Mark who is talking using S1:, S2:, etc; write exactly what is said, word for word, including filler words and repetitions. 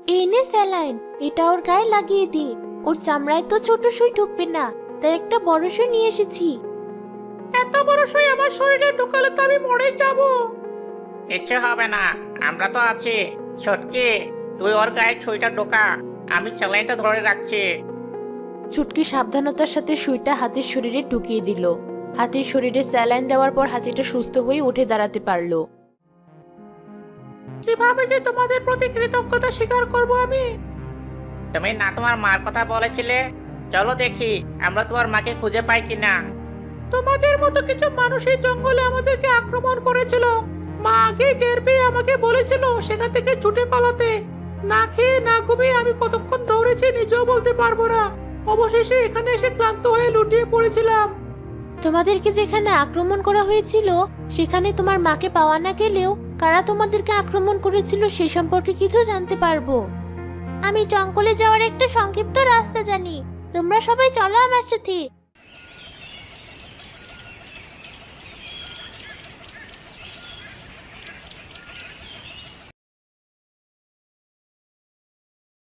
S1: এই নে স্যালাইন, এটা ওর গায়ে লাগিয়ে দি। ওর চামড়ায় তো ছোট সুই ঢুকবে না, তাই একটা বড় সুই নিয়ে এসেছি।
S2: এত বড় সুই আমার শরীরে ঢুকালে তো আমি মরে যাব।
S3: কিচ্ছু হবে না, আমরা তো আছি। ছটকি, তুই ওর গায়ে ছুঁইটা ঢোকা, আমি স্যালাইনটা ধরে রাখছি।
S1: চুটকি সাবধানতার সাথে সুইটা হাতির শরীরে ঢুকিয়ে দিল। হাতির শরীরে স্যালাইন দেওয়ার পর হাতিটা সুস্থ হয়ে উঠে দাঁড়াতে পারলো।
S2: কিভাবে যে তোমাদের প্রতি কৃতজ্ঞতা স্বীকার করব আমি?
S3: তুমি না তোমার মার কথা বলেছিলে? চলো দেখি আমরা তোমার মাকে খুঁজে পাই কিনা।
S2: তোমাদের মতো কিছু মানুষ এই জঙ্গলে আমাদেরকে আক্রমণ করেছিল। মা আগে টের পেয়ে আমাকে বলেছিল সেখান থেকে ছুটে পালাতে। না খেয়ে না ঘুমিয়ে আমি কতক্ষণ দৌড়েছি নিজেও বলতে পারবো না। অবশেষে এখানে এসে ক্লান্ত হয়ে লুটিয়ে পড়েছিলাম।
S1: তোমাদেরকে যেখানে আক্রমণ করা হয়েছিল সেখানে তোমার মাকে পাওয়া না গেলেও কারা তোমাদেরকে আক্রমণ করেছিল সে সম্পর্কে কিছু জানতে পারবো। আমি জঙ্গলে যাওয়ার একটা সংক্ষিপ্ত রাস্তা জানি, তোমরা সবাই চলো আমার সাথে।